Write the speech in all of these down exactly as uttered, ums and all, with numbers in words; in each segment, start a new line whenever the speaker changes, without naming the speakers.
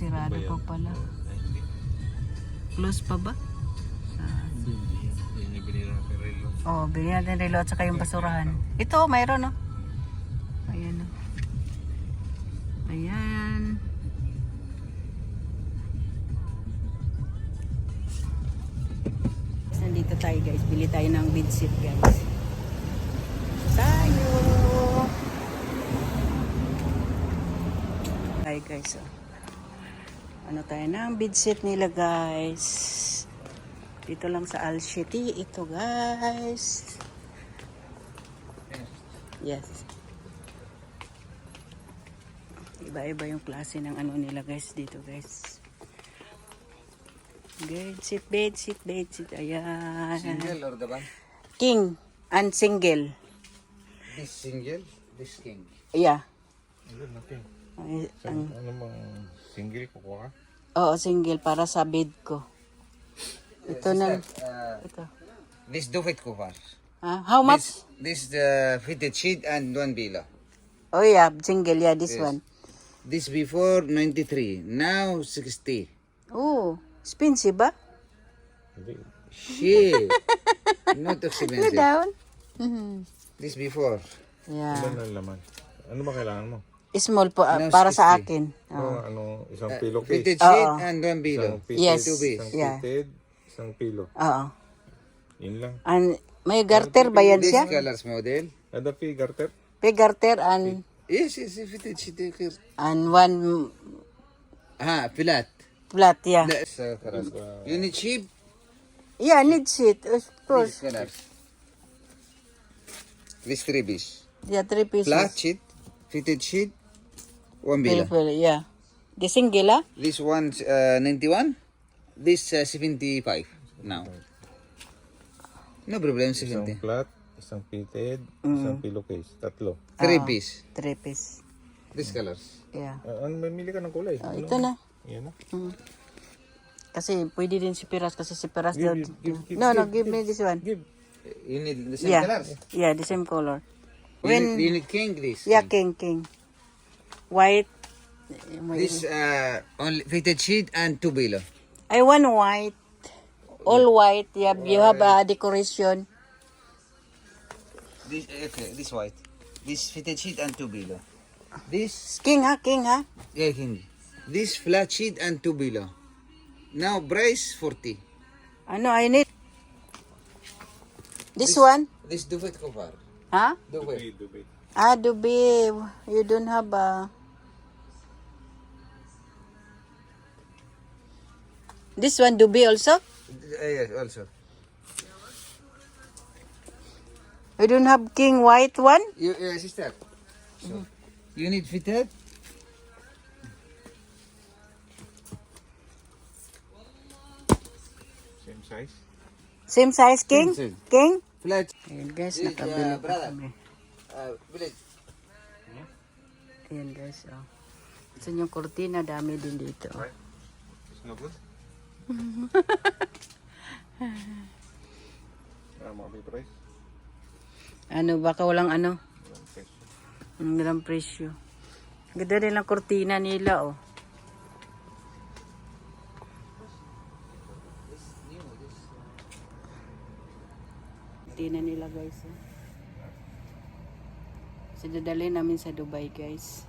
sirado pa pala. Close pa ba? Ah.
Hindi binili natin relo.
Oh, bilhin natin relo at saka yung basurahan. Ito, mayroon no. Ayan no. Ayan. Nandito tayo guys. Bili tayo ng bedsheet guys. Tayo. Tayo guys. Oh. Ano tayo ng bedsheet nila guys. Dito lang sa Alsheti. Ito guys. Yes. Iba-iba yung klase ng ano nila guys dito guys. Bedsheet, bedsheet, bedsheet. Ayan.
Single or the one?
King and single.
This single, this king.
Yeah.
Ano natin?
Ay,
So,
ang,
ano bang single kukuha ka?
oo, single para sa bed ko. Ito na.
Uh,
Ito.
this duvet cover.
Ah, how much?
This, this the fitted sheet and one below.
Oh yeah, single. Yeah, this
Yes.
one.
This before ninety-three, now sixty.
Oh, expensive ba?
Shit. Not
Go
expensive.
down. Mhm.
This before.
Yeah.
Ano laman? Ano ba kailangan mo?
Small po, ah,
No,
para sa
sixty.
akin.
Ano,
Oh.
ano, isang
Uh,
pillowcase.
fitted sheet
Oo.
and one below.
Isang fitted,
Yes.
Two base.
isang
Yeah.
fitted, isang pillow.
Oo.
Yun lang.
And may garter ba yan
This
siya?
colors model.
Ada fee, garter?
May garter and
Yes, yes, yes, fitted sheet. here.
and one
Ah, flat.
flat, yeah.
That's uh, colors. You need cheap.
Yeah, need sheet, of
This
course.
colors. This three piece.
Yeah, three pieces.
Flat sheet, fitted sheet, one below.
Purple, yeah. The single, ah?
This one uh, ninety-one. This uh, seventy-five now. No problem,
Isang
seventy.
flat, isang fitted,
Mm.
isang pillowcase. Tatlo.
Three
Oo.
piece.
Three piece.
This colors.
Yeah.
Ah, ano, mamili ka ng kulay.
Oh,
Ano?
ito na.
Yan na.
Mm. Kasi pwede din si Piras kasi si Piras
Give,
daw.
give, give, give,
no, no,
give,
give me this one.
Give.
You need the same
Yeah.
colors.
Yeah, the same color.
You,
When-
need, you need king this.
Yeah,
king.
king, king. White.
This uh, only fitted sheet and two below.
I want white. All white. Yeah, you have a decoration.
This okay, this white. This fitted sheet and two below. This
King ha, king ha.
yeah, king. This flat sheet and two below. Now price forty.
Ano, I need. This one?
This duvet cover.
Ha?
Duvet.
Dubai, Dubai.
Ah, Dubi. You don't have a... This one, Dubi also?
Uh, yes, also.
You don't have king white one?
You, uh, sister. So, you need fitted?
Same size.
Same size king?
Same size.
King?
Flat.
Ayan guys,
This,
nakabili
uh,
pa
brother.
kami.
Uh, village.
Ayan guys, oh. Gusto yung kurtina, dami din dito. Oh.
It's no good? Ah, mga may price.
Ano, baka walang ano?
Walang price.
Ang gandang presyo. Ganda rin ang kurtina nila, oh. Kurtina nila, guys, oh. Sinadali namin sa Dubai, guys.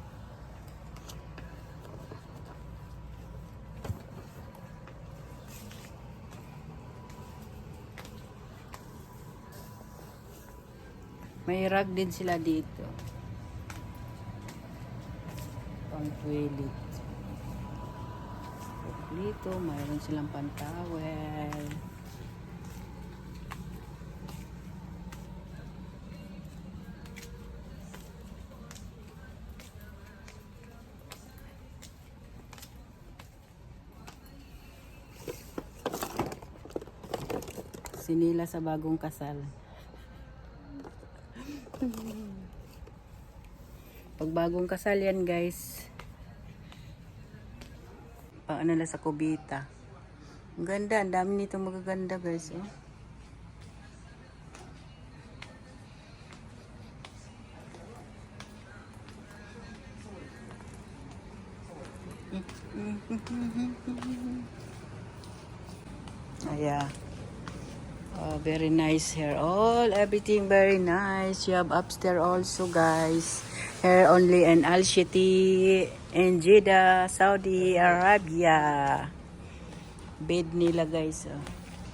May rug din sila dito. Pang toilet. Dito, mayroon silang pantawel. Sinila sa bagong kasal. Pag bagong kasal yan, guys. Pang ano na sa kubita. Ang ganda, ang dami nito magaganda, guys. Oh. Ayan. Oh, very nice hair. All, everything very nice. You have upstairs also, guys. Hair only in Al Shiti in Jeddah, Saudi Arabia. Bed nila, guys. Oh.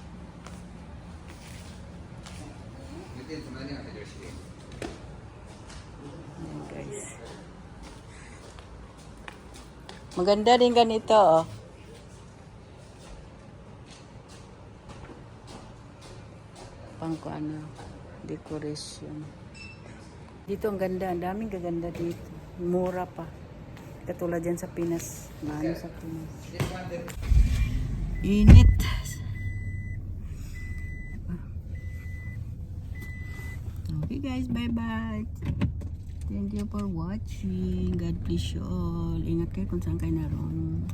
Ayan, guys. Maganda din ganito, oh. Pang ano, decoration. Dito ang ganda, ang daming gaganda dito. Mura pa. Katulad dyan sa Pinas. Maano sa Pinas. Init. Okay guys, bye-bye. Thank you for watching. God bless you all. Ingat kayo kung saan kayo naroon.